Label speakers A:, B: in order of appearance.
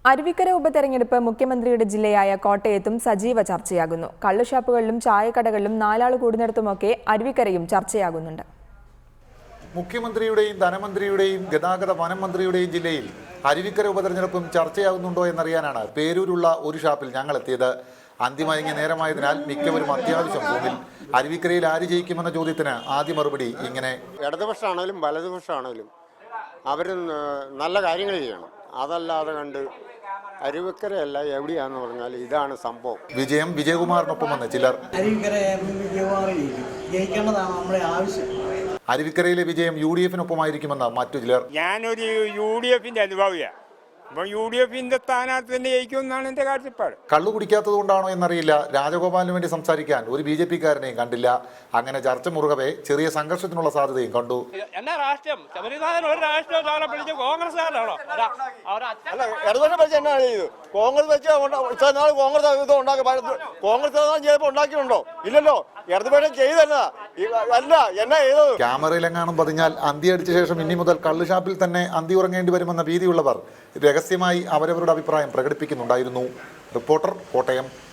A: അരുവിക്കര ഉപതെരഞ്ഞെടുപ്പ് മുഖ്യമന്ത്രിയുടെ ജില്ലയായ കോട്ടയത്തും സജീവ ചർച്ചയാകുന്നു. കള്ളുഷാപ്പുകളിലും ചായക്കടകളിലും നാലാൾ കൂടുന്നിടത്തുമൊക്കെ അരുവിക്കരയും ചർച്ചയാകുന്നുണ്ട്.
B: മുഖ്യമന്ത്രിയുടെയും ധനമന്ത്രിയുടെയും ഗതാഗത വനം മന്ത്രിയുടെയും ജില്ലയിൽ അരുവിക്കര ഉപതെരഞ്ഞെടുപ്പും ചർച്ചയാകുന്നുണ്ടോ എന്നറിയാനാണ് പേരൂരുള്ള ഒരു ഷാപ്പിൽ ഞങ്ങൾ എത്തിയത്. അന്തിമയങ്ങിയ നേരമായതിനാൽ മിക്കവരും അത്യാവശ്യം ഫോണിൽ. അരുവിക്കരയിൽ ആര് ജയിക്കുമെന്ന ചോദ്യത്തിന് ആദ്യ മറുപടി ഇങ്ങനെ:
C: ഇടതുപക്ഷമാണെങ്കിലും വലതുപക്ഷമാണെങ്കിലും അവർ നല്ല കാര്യങ്ങൾ ചെയ്യണം. അതല്ലാതെ കണ്ട് അരുവിക്കരയല്ല എവിടെയാന്ന് പറഞ്ഞാൽ ഇതാണ് സംഭവം.
B: വിജയം വിജയകുമാറിനൊപ്പമെന്ന് ചിലർ. അരുവിക്കരയിലെ വിജയം UDF-നൊപ്പമായിരിക്കുമെന്ന് മറ്റു ചിലർ.
D: ഞാനൊരു UDF-ന്റെ അനുഭാവിയാണ്. അപ്പോൾ UDF-ന്റെ സ്ഥാനാർത്ഥി തന്നെ ജയിക്കുമെന്നാണ് എൻ്റെ കാഴ്ചപ്പാട്.
B: കള്ളു കുടിക്കാത്തതുകൊണ്ടാണോ എന്നറിയില്ല, രാജഗോപാലിന് വേണ്ടി സംസാരിക്കാൻ ഒരു BJP-കാരനെയും കണ്ടില്ല. അങ്ങനെ ചർച്ച മുറുകവേ ചെറിയ സംഘർഷത്തിനുള്ള സാധ്യതയും കണ്ടു.
E: എന്നാ രാഷ്ട്രീയം? ശബരിനാഥൻ ഒരു രാഷ്ട്രീയം പിടിച്ച് കോൺഗ്രസ്സുകാരനാണോ?
C: ഇടതുപക്ഷം വെച്ച് എന്നാ ചെയ്തു? കോൺഗ്രസ് വെച്ച് കോൺഗ്രസ് ചെയ്തപ്പോൾ ഉണ്ടാക്കിയിട്ടുണ്ടോ? ഇല്ലല്ലോ. ഇടതുപക്ഷം ചെയ്തല്ല അല്ല എന്നാ ചെയ്തത്?
B: ക്യാമറയിലെങ്ങാനും പതിഞ്ഞാൽ അന്തി അടിച്ച ശേഷം ഇനി മുതൽ കള്ളുഷാപ്പിൽ തന്നെ അന്തി ഉറങ്ങേണ്ടി വരുമെന്ന ഭീതിയുള്ളവർ രഹസ്യമായി അവരവരുടെ അഭിപ്രായം പ്രകടിപ്പിക്കുന്നുണ്ടായിരുന്നു. റിപ്പോർട്ടർ, കോട്ടയം.